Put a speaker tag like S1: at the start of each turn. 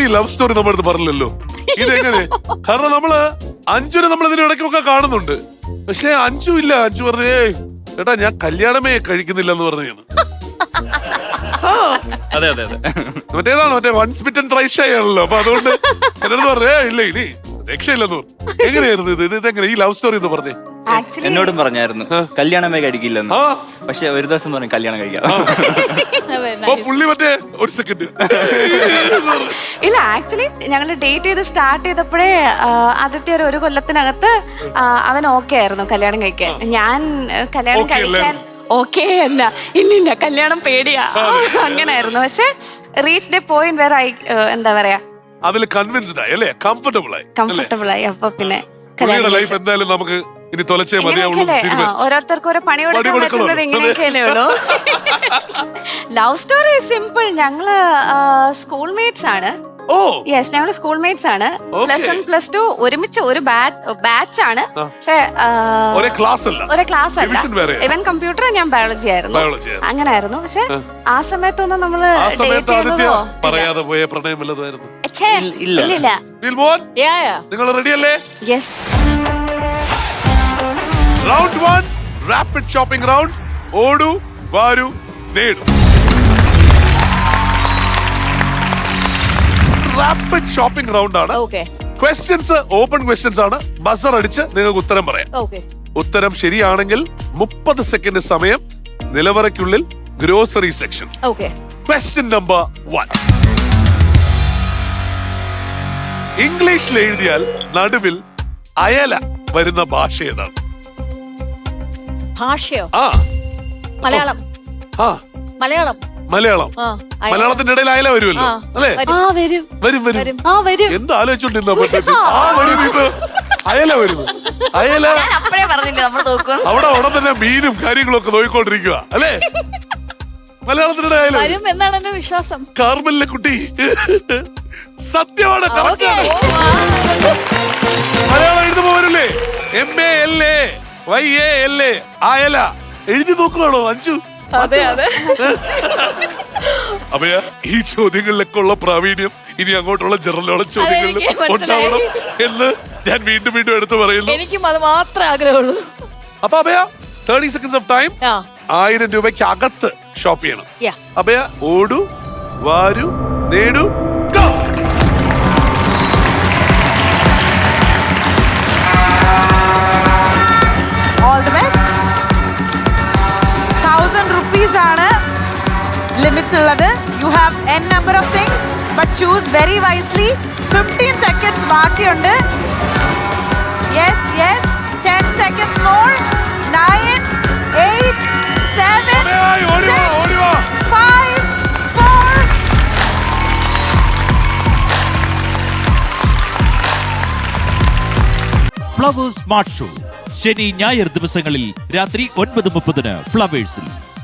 S1: Love story നമ്മുടെ അടുത്ത് പറഞ്ഞില്ലല്ലോ. ഇതെങ്ങനെ? കാരണം നമ്മള് അഞ്ജുനെ നമ്മൾ ഇതിന് ഇടയ്ക്കൊക്കെ കാണുന്നുണ്ട്. പക്ഷെ അഞ്ജു ഇല്ല. അഞ്ജു പറഞ്ഞേ ചേട്ടാ ഞാൻ കല്യാണമേ കഴിക്കുന്നില്ല എന്ന് പറഞ്ഞാണ്.
S2: അതെ അതെ അതെ.
S1: മറ്റേ വൺസ് ബിറ്റൻ ട്വൈസ് ഷൈ ആണല്ലോ. അപ്പൊ അതുകൊണ്ട് ചിലർ പറഞ്ഞേ ഇല്ല ഇനി രക്ഷയില്ലെന്ന് പറഞ്ഞു. എങ്ങനെയായിരുന്നു ഇതെങ്ങനെ ഈ ലവ് സ്റ്റോറി എന്ന് പറഞ്ഞേ?
S2: എന്നോടും പറഞ്ഞായിരുന്നു കല്യാണമേ കഴിക്കില്ലെന്ന്. പക്ഷെ ഒരു ദിവസം പറഞ്ഞു കല്യാണം കഴിക്കാം.
S1: പുള്ളി മറ്റേ ഒരു സെക്കൻഡ്
S3: ഇല്ല, ആക്ച്വലി ഞങ്ങൾ ഡേറ്റ് ചെയ്ത് സ്റ്റാർട്ട് ചെയ്തപ്പോഴേ ആദ്യത്തെ ഒരു കൊല്ലത്തിനകത്ത് അവൻ ഓക്കെ ആയിരുന്നു കല്യാണം കഴിക്കാൻ. ഞാൻ കല്യാണം കഴിക്കാൻ ഓക്കെ അല്ല, ഇല്ലില്ല കല്യാണം പേടിയാ അങ്ങനായിരുന്നു. പക്ഷെ റീച്ച് ദ പോയിന്റ് വേറെ എന്താ പറയാ
S1: അതിൽ കൺവിൻസ്ഡ് ആയി അല്ലേ? കംഫർട്ടബിൾ
S3: ആയി. അപ്പൊ പിന്നെ
S1: ലൈഫ് എന്തായാലും നമുക്ക് ഇനി തൊലച്ചേ മതിയാവുള്ളൂ.
S3: ഓരോരുത്തർക്ക് ഓരോ പണി കൊടുക്കാൻ പറ്റുന്നത് ഇങ്ങനെയൊക്കെയല്ലേ ഉള്ളൂ. Love story simple. ഞങ്ങള് സ്കൂൾ മേറ്റ്സ് ആണ്. യെസ്, ഞങ്ങള് സ്കൂൾ മേറ്റ്സ് ആണ്. +1 +2 ഒരുമിച്ച് ഒരു ബാച്ച് ആണ്. പക്ഷെ ഒരേ ക്ലാസ് അല്ല. ഇവൻ കമ്പ്യൂട്ടർ, ഞാൻ ബയോളജി ആയിരുന്നു. അങ്ങനായിരുന്നു. പക്ഷെ ആ സമയത്തൊന്നും നമ്മള് ഡേറ്റ് ചെയ്തതോ
S1: പറയാതെ പോയ പ്രണയം വല്ലതുമായിരുന്നു?
S3: ഇല്ല.
S1: നിങ്ങൾ റെഡി അല്ലേ?
S3: Yes.
S1: Round 1 rapid shopping round. ഓടു വാരു നേടു. റാപ്പിഡ് ഷോപ്പിംഗ് റൗണ്ട് ആണ്. ക്വസ്റ്റ്യൻസ് ഓപ്പൺ ക്വസ്റ്റ്യൻസ് ആണ്. ബസർ അടിച്ച് നിങ്ങൾക്ക് ഉത്തരം പറയാം. ഉത്തരം ശരിയാണെങ്കിൽ 30 സെക്കൻഡ് സമയം. നിലവറയ്ക്കുള്ളിൽ ഗ്രോസറി സെക്ഷൻ. Question number 1. ഇംഗ്ലീഷിൽ എഴുതിയാൽ നടുവിൽ അയല വരുന്ന ഭാഷ ഏതാണ്?
S4: ഭാഷയോ?
S1: മലയാളം. മലയാളത്തിന്റെ ഇടയിൽ അയല വരുമല്ലോ അല്ലേ? വരും. എന്ത് ആലോചിച്ചോണ്ടിരുന്ന അയല വരും. അയല അവിടെ ഉടൻ തന്നെ മീനും കാര്യങ്ങളും ഒക്കെ നോക്കിക്കൊണ്ടിരിക്കുക അല്ലേ? മലയാളത്തിന്റെ അയല
S4: വരും എന്നാണ് എന്റെ വിശ്വാസം.
S1: കാർമലിലെ കുട്ടി സത്യമാണ്. മലയാളം എഴുതുമ്പോ വരില്ലേ? MALAYALA അയല എഴുതി നോക്കുകയാണോ അഞ്ജു? അപ്പൊ ഈ ചോദ്യങ്ങളിലൊക്കെ ഉള്ള പ്രാവീണ്യം ഇനി അങ്ങോട്ടുള്ള ജനറൽ നോളജ് ചോദ്യങ്ങളിൽ ഉണ്ടാവണം എന്ന് ഞാൻ വീണ്ടും വീണ്ടും എടുത്തു പറയുന്നു.
S4: എനിക്കും അത് മാത്രമേ ആഗ്രഹമുള്ളൂ.
S1: അപ്പൊ അഭയ 30 seconds ഓഫ് ടൈം. 1000 രൂപയ്ക്ക് അകത്ത് ഷോപ്പ് ചെയ്യണം. അഭയ ഓടു വാരു നേടു.
S5: All the best. 1000 rupees ആണ് ലിമിറ്റ് ഉള്ളത്. You have n number of things but choose very wisely. 15 seconds ബാക്കിയുണ്ട്. Yes. 10 seconds more. 9 8 7 6 5 4.
S6: Flowers smart show ശനി ഞായർ ദിവസങ്ങളിൽ രാത്രി 9:30 ഫ്ലവേഴ്സിൽ.